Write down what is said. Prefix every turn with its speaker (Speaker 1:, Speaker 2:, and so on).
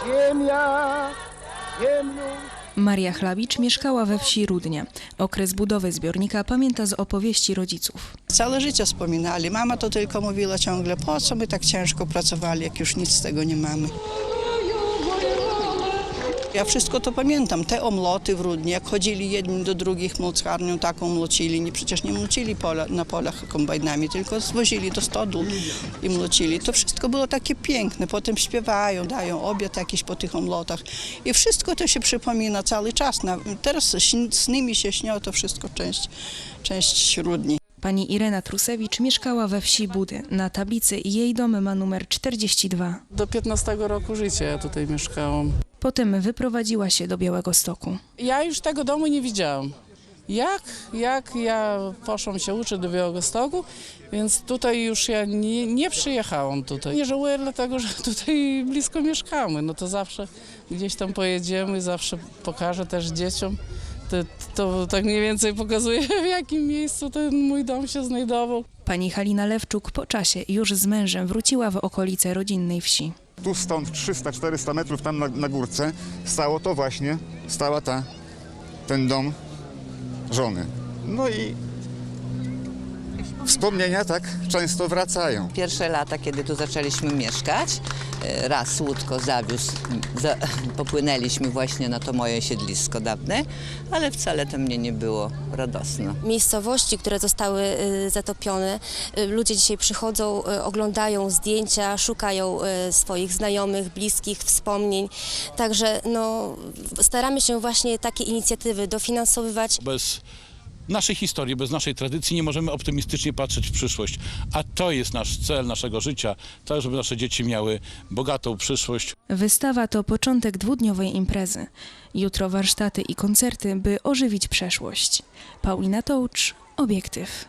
Speaker 1: ziemia, ziemnią.
Speaker 2: Maria Chlawicz mieszkała we wsi Rudnia. Okres budowy zbiornika pamięta z opowieści rodziców.
Speaker 3: Całe życie wspominali. Mama to tylko mówiła ciągle, po co my tak ciężko pracowali, jak już nic z tego nie mamy. Ja wszystko to pamiętam, te omloty w Rudnie, jak chodzili jedni do drugich młocharnią, taką młocili. Przecież nie młocili na polach kombajnami, tylko zwozili do stodół i młocili. To wszystko było takie piękne, potem śpiewają, dają obiad jakiś po tych omlotach. I wszystko to się przypomina cały czas. Teraz sny mi się śnią, to wszystko część Rudni.
Speaker 2: Pani Irena Trusewicz mieszkała we wsi Budy. Na tablicy jej dom ma numer 42.
Speaker 4: Do 15 roku życia ja tutaj mieszkałam.
Speaker 2: Potem wyprowadziła się do Białegostoku.
Speaker 4: Ja już tego domu nie widziałam. Jak ja poszłam się uczyć do Białegostoku, więc tutaj już ja nie przyjechałam tutaj. Nie żałuję dlatego, że tutaj blisko mieszkamy. No to zawsze gdzieś tam pojedziemy, zawsze pokażę też dzieciom. To tak mniej więcej pokazuje, w jakim miejscu ten mój dom się znajdował.
Speaker 2: Pani Halina Lewczuk po czasie już z mężem wróciła w okolice rodzinnej wsi.
Speaker 5: Tu stąd 300-400 metrów tam na górce stała ten dom żony. No i wspomnienia tak często wracają.
Speaker 6: Pierwsze lata, kiedy tu zaczęliśmy mieszkać, raz łódko zawiózł, popłynęliśmy właśnie na to moje siedlisko dawne, ale wcale to mnie nie było radosno.
Speaker 7: Miejscowości, które zostały zatopione, ludzie dzisiaj przychodzą, oglądają zdjęcia, szukają swoich znajomych, bliskich, wspomnień. Także staramy się właśnie takie inicjatywy dofinansowywać.
Speaker 8: Bez naszej historii, bez naszej tradycji nie możemy optymistycznie patrzeć w przyszłość. A to jest nasz cel naszego życia, tak żeby nasze dzieci miały bogatą przyszłość.
Speaker 2: Wystawa to początek dwudniowej imprezy. Jutro warsztaty i koncerty, by ożywić przeszłość. Paulina Tołcz, Obiektyw.